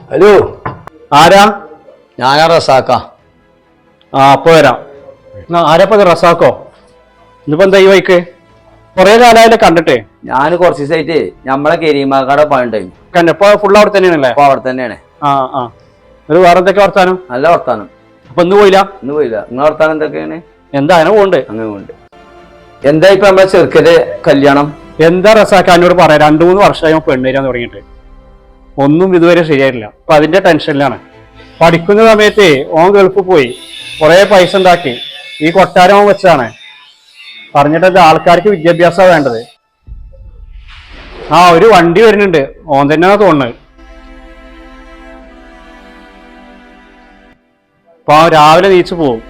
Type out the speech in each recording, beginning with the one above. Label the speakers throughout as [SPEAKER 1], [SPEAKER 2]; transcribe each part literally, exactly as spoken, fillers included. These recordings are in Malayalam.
[SPEAKER 1] ഹലോ,
[SPEAKER 2] ആരാ?
[SPEAKER 1] ഞാനാ റസാക്ക.
[SPEAKER 2] ആ അപ്പൊ വരാം. ആരാപ്പ റസാക്കോ? ഇന്നിപ്പോ എന്താ ഈ വൈക്ക്? കൊറേ കാലമായാലേ കണ്ടിട്ടേ.
[SPEAKER 1] ഞാൻ കുറച്ച് ദിവസമായിട്ട് നമ്മളെ കരീമാക്കാടെ പണിണ്ടായിരുന്നു.
[SPEAKER 2] കണ്ടപ്പോ ഫുള്ള് അവിടെ തന്നെയാണല്ലേ?
[SPEAKER 1] അപ്പൊ അവിടെ തന്നെയാണ്.
[SPEAKER 2] ആ ആ ഒരു വേറെ എന്തൊക്കെ വർത്താനം?
[SPEAKER 1] നല്ല വർത്താനം.
[SPEAKER 2] അപ്പൊ ഇന്ന് പോയില്ല?
[SPEAKER 1] ഇന്ന് പോയില്ല. നിങ്ങളെ വർത്താനം എന്തൊക്കെയാണ്?
[SPEAKER 2] എന്താ അങ്ങനെ പോണ്ട്?
[SPEAKER 1] അങ്ങനെ പോണ്ട്. എന്താ ഇപ്പൊ നമ്മളെ ചെറുക്കന്റെ കല്യാണം?
[SPEAKER 2] എന്താ റസാക്ക എന്നോട് പറയാം, രണ്ടു മൂന്ന് വർഷമായി പെണ്ണേരാൻ തുടങ്ങിയിട്ട് ഒന്നും ഇതുവരെ ശരിയായിട്ടില്ല. അപ്പൊ അതിന്റെ ടെൻഷനിലാണ്. പഠിക്കുന്ന സമയത്ത് ഓൻ ഗൾഫിൽ പോയി കുറെ പൈസ ഉണ്ടാക്കി ഈ കൊട്ടാരം വെച്ചാണ് പറഞ്ഞിട്ടത്. ആൾക്കാർക്ക് വിദ്യാഭ്യാസമാണ് വേണ്ടത്. ആ ഒരു വണ്ടി വരുന്നുണ്ട്, ഓൻ തന്നെയാ തോന്നുന്നത്. അപ്പൊ രാവിലെ നീച്ചു പോവും.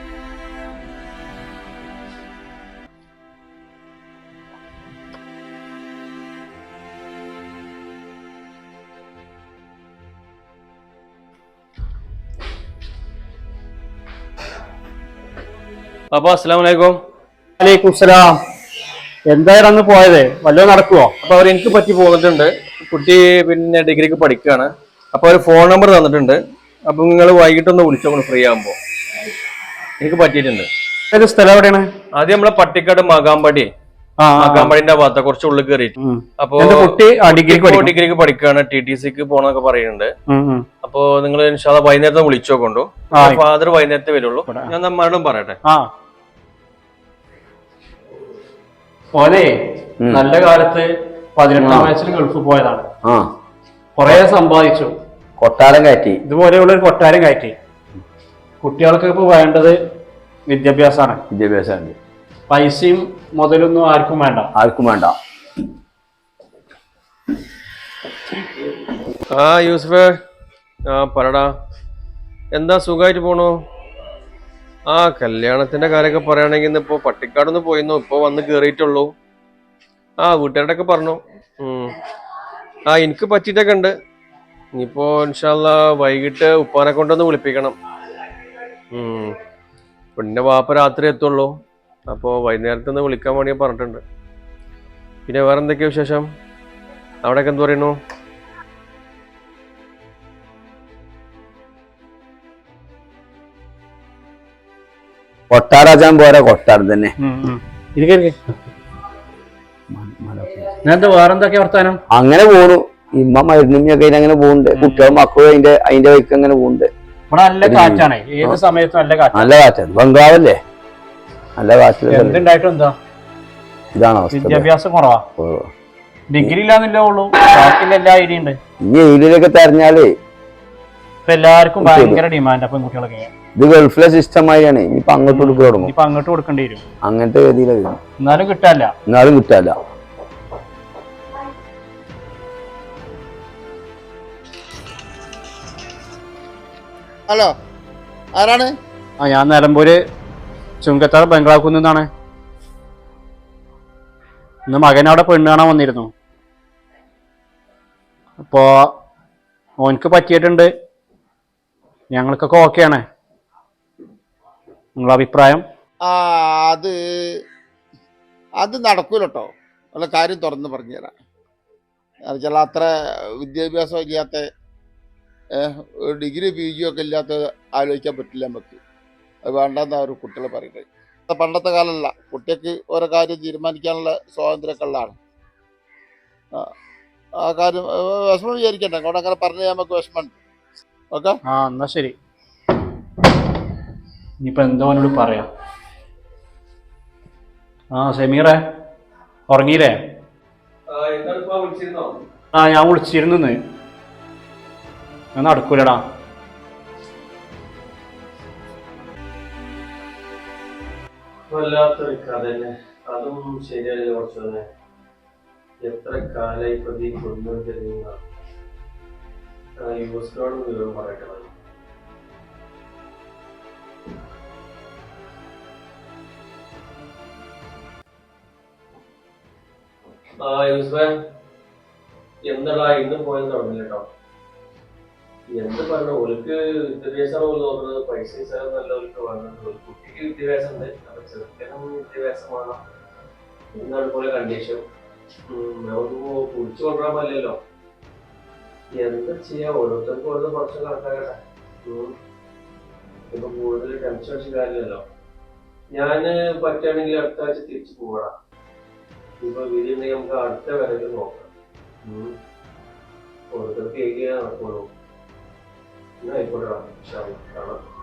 [SPEAKER 3] അപ്പൊ അസ്സലാമു അലൈക്കും.
[SPEAKER 2] വലൈക്കും സലാം. എന്തായാലും അന്ന് പോയത് വല്ലതും നടക്കുവോ?
[SPEAKER 3] അപ്പൊ അവർ എനിക്ക് പറ്റി പോന്നിട്ടുണ്ട്. കുട്ടി പിന്നെ ഡിഗ്രിക്ക് പഠിക്കുകയാണ്. അപ്പൊ ഒരു ഫോൺ നമ്പർ തന്നിട്ടുണ്ട്. അപ്പൊ നിങ്ങൾ വൈകിട്ടൊന്ന് വിളിച്ചോളൂ ഫ്രീ ആകുമ്പോ. എനിക്ക് പറ്റിയിട്ടുണ്ട്.
[SPEAKER 2] ഏത് സ്ഥലം എവിടെയാണ്?
[SPEAKER 3] ആദ്യം നമ്മളെ പട്ടിക്കാട് മകാമ്പടി, മകാമ്പടിന്റെ ഭാഗത്ത് കുറച്ച് ഉള്ളിൽ കയറിയിട്ട്. അപ്പൊ
[SPEAKER 2] കുട്ടി
[SPEAKER 3] ഡിഗ്രിക്ക് പഠിക്കുകയാണ്, ടി ടി സിക്ക് പോണൊക്കെ പറയുന്നുണ്ട്. അപ്പൊ നിങ്ങൾ ഇൻഷാല്ലാ വൈകുന്നേരത്തെ വിളിച്ചോക്കൊണ്ടു. ഫാദർ വൈകുന്നേരത്തെ വരുള്ളൂ. ഞാൻ നമ്മളും പറയട്ടെ.
[SPEAKER 2] ഓനെ നല്ല കാലത്ത് പതിനെട്ടാം വയസ്സിൽ ഗൾഫിൽ പോയതാണ്. കൊറേ സമ്പാദിച്ചു,
[SPEAKER 1] കൊട്ടാരം കയറ്റി.
[SPEAKER 2] ഇതുപോലെയുള്ള ഒരു കൊട്ടാരം കയറ്റി. കുട്ടികൾക്ക് ഇപ്പൊ വേണ്ടത് വിദ്യാഭ്യാസമാണ്.
[SPEAKER 1] വിദ്യാഭ്യാസമാണ്.
[SPEAKER 2] പൈസയും മുതലൊന്നും ആർക്കും വേണ്ട.
[SPEAKER 1] ആർക്കും വേണ്ട.
[SPEAKER 3] ആ യൂസഫേ, ആ പറടാ, എന്താ സുഖമായിട്ട് പോണു? ആ കല്യാണത്തിന്റെ കാര്യമൊക്കെ പറയുകയാണെങ്കിൽ ഇന്നിപ്പോ പട്ടിക്കാടൊന്ന് പോയിരുന്നു. ഇപ്പൊ വന്ന് കേറിയിട്ടുള്ളൂ. ആ വീട്ടുകാരോടൊക്കെ പറഞ്ഞു. ഉം ആ എനിക്ക് പറ്റിയിട്ടൊക്കെ ഉണ്ട്. ഇനിയിപ്പോ ഇൻഷാല്ലാ വൈകിട്ട് ഉപ്പാനെ കൊണ്ടൊന്ന് വിളിപ്പിക്കണം. ഉം പിന്നെ വാപ്പ രാത്രി എത്തുള്ളൂ. അപ്പോ വൈകുന്നേരത്തൊന്ന് വിളിക്കാൻ വേണ്ടി പറഞ്ഞിട്ടുണ്ട്. പിന്നെ വേറെ എന്തൊക്കെയാ വിശേഷം? അവിടെയൊക്കെ എന്ത് പറയുന്നു?
[SPEAKER 1] കൊട്ടാരാജാൻ പോരാ, കൊട്ടാരം തന്നെ.
[SPEAKER 2] വേറെന്തൊക്കെയാ വർത്താനം?
[SPEAKER 1] അങ്ങനെ പോണു. ഇമ്മ മരുന്നിമ്മയൊക്കെ അങ്ങനെ പോകുന്നുണ്ട്. കുട്ടികളും മക്കളും അതിന്റെ അതിന്റെ വഴിക്ക് അങ്ങനെ പോകുന്നുണ്ട്.
[SPEAKER 2] ഇവിടെ നല്ല കാറ്റാണ്, ഏത് സമയത്തും നല്ല കാറ്റ്.
[SPEAKER 1] നല്ല കാറ്റാണ്. ബംഗാളല്ലേ, നല്ല കാറ്റ്.
[SPEAKER 2] എന്തുണ്ടായിട്ടും എന്താ
[SPEAKER 1] ഇതാണോ
[SPEAKER 2] വിദ്യാഭ്യാസം കുറവാ. ഡിഗ്രി ഇല്ലാന്നില്ലേ ഉള്ളൂ, ബാക്കിയുള്ള എല്ലാ ഐഡിയ ഉണ്ട്.
[SPEAKER 1] ഇനി ഏരിയയിലൊക്കെ തെരഞ്ഞാലേ
[SPEAKER 2] ഇപ്പൊ എല്ലാവർക്കും ഭയങ്കര ഡിമാൻഡ്. അപ്പം കുട്ടികളൊക്കെ
[SPEAKER 1] ഇത് ഗൾഫിലെ സിസ്റ്റമായാണ്. ഇനിയിപ്പൊ അങ്ങോട്ട് കൊടുക്കുക തുടങ്ങും.
[SPEAKER 2] ഇപ്പൊ അങ്ങോട്ട് കൊടുക്കേണ്ടി വരും.
[SPEAKER 1] അങ്ങനത്തെ രീതിയിലാണ്.
[SPEAKER 2] എന്നാലും കിട്ടാല്ല.
[SPEAKER 1] എന്നാലും കിട്ടാല്ല.
[SPEAKER 4] ഹലോ, ആരാണ്?
[SPEAKER 2] ആ ഞാൻ നിലമ്പൂര് ചുങ്കത്താർ ബംഗ്ലാവ് നിന്നാണ്. ഇന്ന് മകൻ അവിടെ പെണ്ണ് കാണാൻ വന്നിരുന്നു. അപ്പോ ഓനക്ക് പറ്റിയിട്ടുണ്ട്. ഞങ്ങൾക്കൊക്കെ ഓക്കെയാണ്. നിങ്ങളെ അഭിപ്രായം?
[SPEAKER 4] ആ അത് അത് നടക്കൂല കേട്ടോ. ഉള്ള കാര്യം തുറന്ന് പറഞ്ഞുതരാം. ചില അത്ര വിദ്യാഭ്യാസം ഇല്ലാത്ത, ഡിഗ്രി പി ജി ഒക്കെ ഇല്ലാത്ത ആലോചിക്കാൻ പറ്റില്ല നമുക്ക്. അത് വേണ്ടെന്നാ ഒരു കുട്ടികൾ പറയുന്നത്. പണ്ടത്തെ കാലമല്ല, കുട്ടിക്ക് ഓരോ കാര്യം തീരുമാനിക്കാനുള്ള സ്വാതന്ത്ര്യമൊക്കെ ഉള്ളതാണ്. ആ കാര്യം വിഷമം വിചാരിക്കണ്ട. അവിടെ അങ്ങനെ പറഞ്ഞു നമുക്ക് വിഷമമുണ്ട്. ഓക്കെ,
[SPEAKER 2] ആ എന്നാ ശരി. ഇനിയിപ്പോ എന്തോനോട് പറയാം. ആ സമീറേ, ഉറങ്ങിയില്ലേ? ആ ഞാൻ വിളിച്ചിരുന്നു. ഞാൻ നടക്കൂലടാ.
[SPEAKER 3] വല്ലാത്തൊരു കഥ തന്നെ. അതും ശരിയല്ല. കുറച്ചൊന്നെ എത്ര കാലായി പ്രതി കൊണ്ടുവരുന്ന യൂസ്ഫോട് വിവരം പറയട്ടെ. ആ യൂസ്ഫേ, എന്താടാ ഇന്ന് പോയെന്ന് തുടങ്ങില്ല കേട്ടോ. എന്ത് പറഞ്ഞു, ഓൾക്ക് വിദ്യാഭ്യാസമാണ് ഓല് നോക്കുന്നത്. പൈസ നല്ല ഓൾക്ക് വേണ്ടത്. ഒരു കുട്ടിക്ക് വിദ്യാഭ്യാസം ഉണ്ട്, അപ്പൊ ചെറുക്കനും വിദ്യാഭ്യാസം വേണം എന്നാണ് പോലെ കണ്ടീഷൻ. നമുക്ക് കുടിച്ചു കൊണ്ടുവരാൻ പറ്റില്ലല്ലോ. എന്താ ചെയ്യാ, ഓരോരുത്തർക്കും ഓരോ പ്രശ്നം കണക്കാക്കട്ടെ. ഉം. ഇപ്പൊ കൂടുതൽ ടെൻഷൻ അടിച്ച കാര്യമല്ലോ. ഞാന് പറ്റുകയാണെങ്കിൽ അടുത്ത ആഴ്ച തിരിച്ചു പോകണം. ഇപ്പൊ വീടുണ്ടെങ്കിൽ നമുക്ക് അടുത്ത വരവിൽ നോക്കാം. ഉം. ഓരോരുത്തർക്ക് ഏരിയ നടക്കുള്ളൂ. എന്നാ ആയിക്കോട്ടെ, കാണാം.